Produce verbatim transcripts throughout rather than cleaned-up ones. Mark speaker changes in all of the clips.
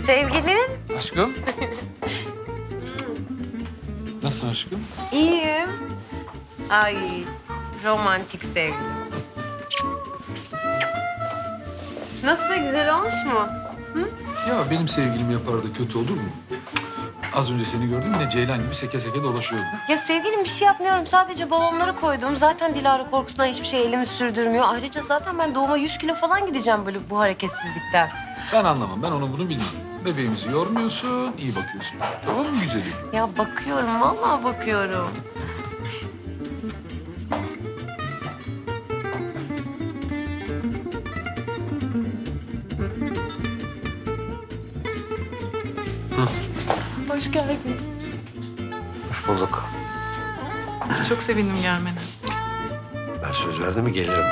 Speaker 1: Sevgilim.
Speaker 2: Aşkım. Nasılsın aşkım?
Speaker 1: İyiyim. Ay, romantik sevgilim. Nasıl, güzel olmuş mu?
Speaker 2: Ya benim sevgilim yapar da kötü olur mu? Az önce seni gördüm yine Ceylan gibi seke seke dolaşıyordu.
Speaker 1: Ya sevgilim, bir şey yapmıyorum. Sadece balonları koydum. Zaten Dilara korkusundan hiçbir şey elimi sürdürmüyor. Ayrıca zaten ben doğuma yüz kilo falan gideceğim böyle bu hareketsizlikten.
Speaker 2: Ben anlamam. Ben onu bunu bilmem. Bebeğimizi yormuyorsun, iyi bakıyorsun. Tamam mı güzelim?
Speaker 1: Ya bakıyorum, vallahi bakıyorum.
Speaker 3: Hoş geldin.
Speaker 4: Hoş bulduk.
Speaker 3: Çok sevindim gelmene.
Speaker 4: Ben söz verdim mi gelirim.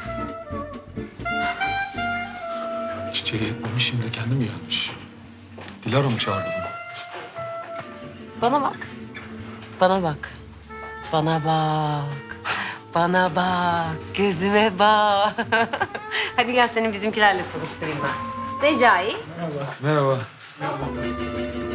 Speaker 2: Çiçeği yetmemiş şimdi kendi mi gelmiş? Dilara mı çağırdı bunu?
Speaker 1: Bana bak. Bana bak. Bana bak. Bana bak. Gözüme bak. Hadi gel seni bizimkilerle tanıştırayım ben. Recai.
Speaker 2: Merhaba.